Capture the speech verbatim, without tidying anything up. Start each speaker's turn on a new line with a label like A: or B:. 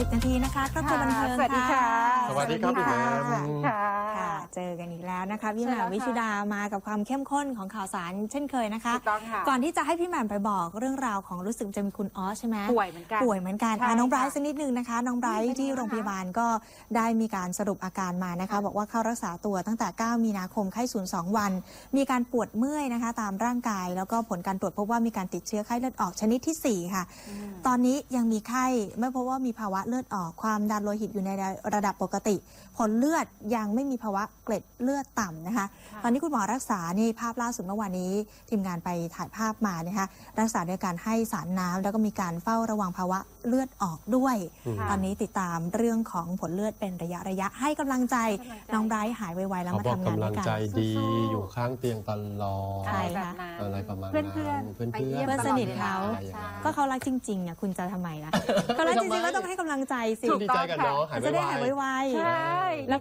A: สิบนาทีนะคะครอบครัวบันเทิง
B: สวัสดีค่ะ
C: สวัสดีครับพี่แหม่ม
B: ค่ะ
A: ค่ะเจอกันอีกแล้วนะคะพี่แหม่มวิชุดามากับความเข้มข้นของข่าวสารเช่นเคยนะคะ
B: ถูกต้องค่ะ
A: ก่อนที่จะให้พี่แหม่มไปบอกเรื่องราวของรู้สึกจะมีคุณออสใช่ไหม
B: ป่วยเหมือนกัน
A: ป่วยเหมือนกัน
B: ใช่
A: อ่ะน้องไบรท์
B: ค่ะ
A: สักนิดนึงนะคะน้องไบรท์ที่โรงพยาบาลก็ได้มีการสรุปอาการมานะคะ บอกว่าเข้ารักษาตัวตั้งแต่ เก้า มีนาคมไข้สูงสองวัน มีการปวดเมื่อยนะคะตามร่างกาย แล้วก็ผลการตรวจพบว่ามีการติดเชื้อไข้เลือดออกชนิดที่สี่ค่ะ ตอนนี้ยังมีไข้ไม่พบว่ามีภาวะเลือดออกความดันโลหิตอยู่ในระดับปกติ ผลเลือดยังไม่มีภาวะเกล็ดเลือดต่ำนะคะ ตอนนี้คุณหมอรักษานี่ภาพล่าสุดเมื่อวานนี้ทีมงานไปถ่ายภาพมานะคะรักษาด้วยการให้สารน้ำแล้วก็มีการเฝ้าระวังภาวะเลือดออกด้วย
B: ค่ะ
A: ตอนนี้ติดตามเรื่องของผลเลือดเป็นระยะระยะให้กำลังใจ
B: ให้กำลังใจ
A: น้องไบรท์หายไวๆแล้ว
C: เขา
A: มา
C: บอก
A: ทำงาน
C: กำ
A: ด้
C: ลั
A: ว
C: ง
A: ยกัน
C: ใจดี
B: สู้ๆ
C: อยู่ข้างเตียงตลอด
A: ใช่
B: แบบนั้น
C: อะไรประมาณ
B: เพื่
C: นั้
B: อน นเพื่อน
C: เพื่อน
B: ไป
C: เพื่
B: เยี่
C: อย น
B: ม
A: เพื่อนสนิทเขา
B: ใช่
A: ก็เขารักจริงๆอ่ะคุณจะทำไมล่ะเขารักจริงๆก็ต้องให้กำลังใจสิ
B: ถูก
C: ดีใจกับน้องหาย
A: จะได้หาย
C: ไว
A: ไว
B: ใช่
A: ๆ แล้ว